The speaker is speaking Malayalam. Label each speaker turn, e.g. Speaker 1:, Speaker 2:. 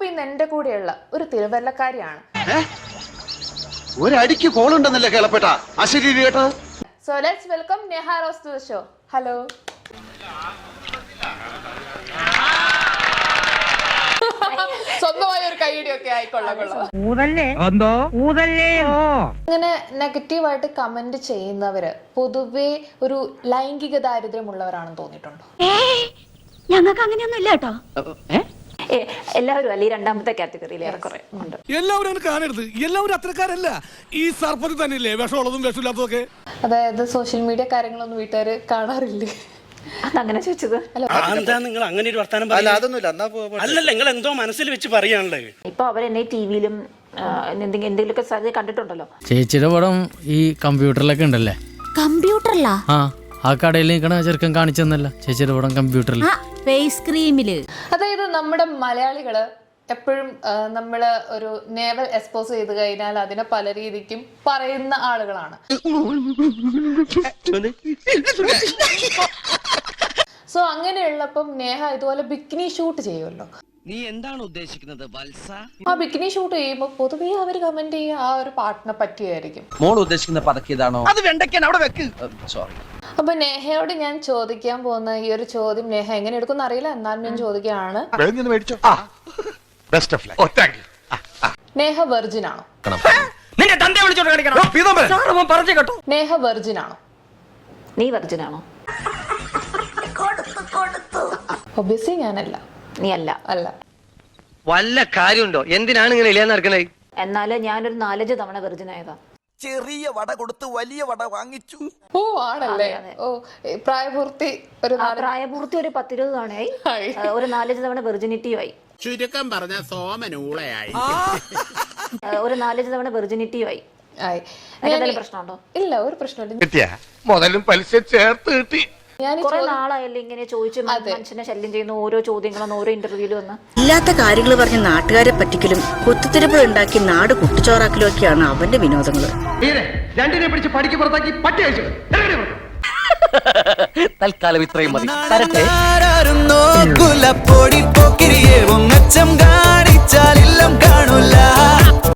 Speaker 1: ഇന്ന് എന്റെ കൂടെയുള്ള ഒരു തിരുവല്ലക്കാരിയാണ്.
Speaker 2: ഒരടിക്ക് കോളുണ്ടെന്നല്ലേ കേളപ്പെട്ട അശരീരി കേട്ടോ.
Speaker 1: So let's welcome Neha Rose to the show. Hello. സ്വന്തമായ ഒരു കൈയിടിയൊക്കെ ആയിക്കൊള്ളാം. ഇങ്ങനെ നെഗറ്റീവായിട്ട് കമന്റ് ചെയ്യുന്നവര് പൊതുവെ ഒരു ലൈംഗിക ദാരിദ്ര്യമുള്ളവരാണെന്ന് തോന്നിയിട്ടുണ്ടോ?
Speaker 3: ഞങ്ങൾക്ക് അങ്ങനെയൊന്നും ഇല്ല കേട്ടോ.
Speaker 4: എല്ലാവരും അല്ല, ഈ രണ്ടാമത്തെ കാറ്റഗറിയിൽ ഏറെക്കുറെ ഉണ്ട്.
Speaker 5: എല്ലാവരും കാണരുത്, എല്ലാവരും അത്രക്കാരല്ല. ഈ സർപ്പത്തിൽ തന്നെയല്ലേ വിഷമുള്ളതും വിഷമില്ലാത്തതൊക്കെ.
Speaker 1: അതായത് സോഷ്യൽ മീഡിയ കാര്യങ്ങളൊന്നും വീട്ടുകാര് കാണാറില്ലേ?
Speaker 4: അതങ്ങനെ ചോദിച്ചത്
Speaker 6: എന്താ നിങ്ങൾ അങ്ങനെ ഒരു വർത്താനം അല്ലല്ല, നിങ്ങൾ എന്തോ മനസ്സിൽ വെച്ച് പറയാനുള്ളത്.
Speaker 4: ഇപ്പൊ അവരെന്നെ ടിവിയിലും എന്തെങ്കിലുമൊക്കെ സാധ്യത കണ്ടിട്ടുണ്ടല്ലോ.
Speaker 7: ചേച്ചിയുടെ പടം ഈ കമ്പ്യൂട്ടറിലൊക്കെ ഉണ്ടല്ലേ?
Speaker 3: കമ്പ്യൂട്ടറിലാ?
Speaker 7: ആ കടയിൽ നിൽക്കണ ചെറുക്കൻ കാണിച്ചെന്നല്ല ചേച്ചിയുടെ പടം കമ്പ്യൂട്ടറിൽ
Speaker 3: ഫേസ് ക്രീമില്.
Speaker 1: അതായത് നമ്മുടെ മലയാളികള് എപ്പോഴും നമ്മള് ഒരു നേവൽ എക്സ്പോസ് ചെയ്ത് കഴിഞ്ഞാൽ അതിനെ പല രീതിക്കും പറയുന്ന ആളുകളാണ്. സോ അങ്ങനെയുള്ളപ്പം നേഹ ഇതുപോലെ ബിക്കിനി ഷൂട്ട് ചെയ്യുമല്ലോ.
Speaker 8: നീ എന്താണ് ഉദ്ദേശിക്കുന്നത് വത്സ?
Speaker 1: ആ ബിക്കിനി ഷൂട്ട് ചെയ്യുമ്പോൾ പൊതുവേ അവര് കമന്റ് ചെയ്യുക ആ ഒരു പാട്ടിനെ പറ്റിയായിരിക്കും.
Speaker 8: മോൾ ഉദ്ദേശിക്കുന്ന പതക്കിയതാണോ? അത് വെണ്ടയ്ക്കാൻ അവിടെ വെക്ക്. സോറി.
Speaker 1: അപ്പൊ നേഹയോട് ഞാൻ ചോദിക്കാൻ പോകുന്ന ഈ ഒരു ചോദ്യം നേഹ എങ്ങനെ എടുക്കും അറിയില്ല, എന്നാലും ഞാൻ ചോദിക്കുകയാണ്. നേഹ വെർജിൻ ആണോ? നേഹ വെർജിൻ ആണോ?
Speaker 4: നീ വെർജിൻ ആണോ?
Speaker 1: ഒബ്വിയസ്ലി ഞാനല്ല.
Speaker 4: നീ അല്ല.
Speaker 1: അല്ല.
Speaker 8: വല്ല കാര്യമുണ്ടോ? എന്തിനാണ് ഇങ്ങനെ ഇല്ലാന്ന് നടക്കണേ?
Speaker 4: എന്നാല് ഞാനൊരു 4-5 തവണ വെർജിൻ ആയതാ.
Speaker 9: ചെറിയ വട കൊടുത്ത് വലിയ വട വാങ്ങിച്ചു.
Speaker 1: ഓ ആണല്ലേ? ഓ പ്രായപൂർത്തി ഒരു
Speaker 4: പ്രായപൂർത്തി ഒരു 10-20 തവണയായി. ഒരു 4-5 തവണ വെർജിനിറ്റിയുമായി.
Speaker 5: ചുരുക്കം പറഞ്ഞ സോമനൂളയായി.
Speaker 4: ഒരു 4-5 തവണ വെർജിനിറ്റിയുമായി. പ്രശ്നമുണ്ടോ?
Speaker 1: ഇല്ല, ഒരു പ്രശ്നമില്ല.
Speaker 2: മുതലും പലിശ ചേർത്ത് കിട്ടി.
Speaker 4: കുറെ നാളായല്ലേ ഇങ്ങനെ ചോദിച്ചു മനുഷ്യനെ ശല്യം ചെയ്യുന്ന ഓരോ ചോദ്യങ്ങളും ഓരോ ഇന്റർവ്യൂലും വന്ന്
Speaker 10: ഇല്ലാത്ത കാര്യങ്ങൾ പറഞ്ഞ് നാട്ടുകാരെ പറ്റിക്കലും കുത്തിത്തിരിപ്പ് ഉണ്ടാക്കി നാട് കുട്ടിച്ചോറാക്കലും ഒക്കെയാണ് അവന്റെ വിനോദങ്ങള്.
Speaker 8: രണ്ടിനെ പിടിച്ച് പടിക്ക് പുറത്താക്കി പട്ടി അയച്ചു. തൽക്കാലം ഇത്രയും മതി.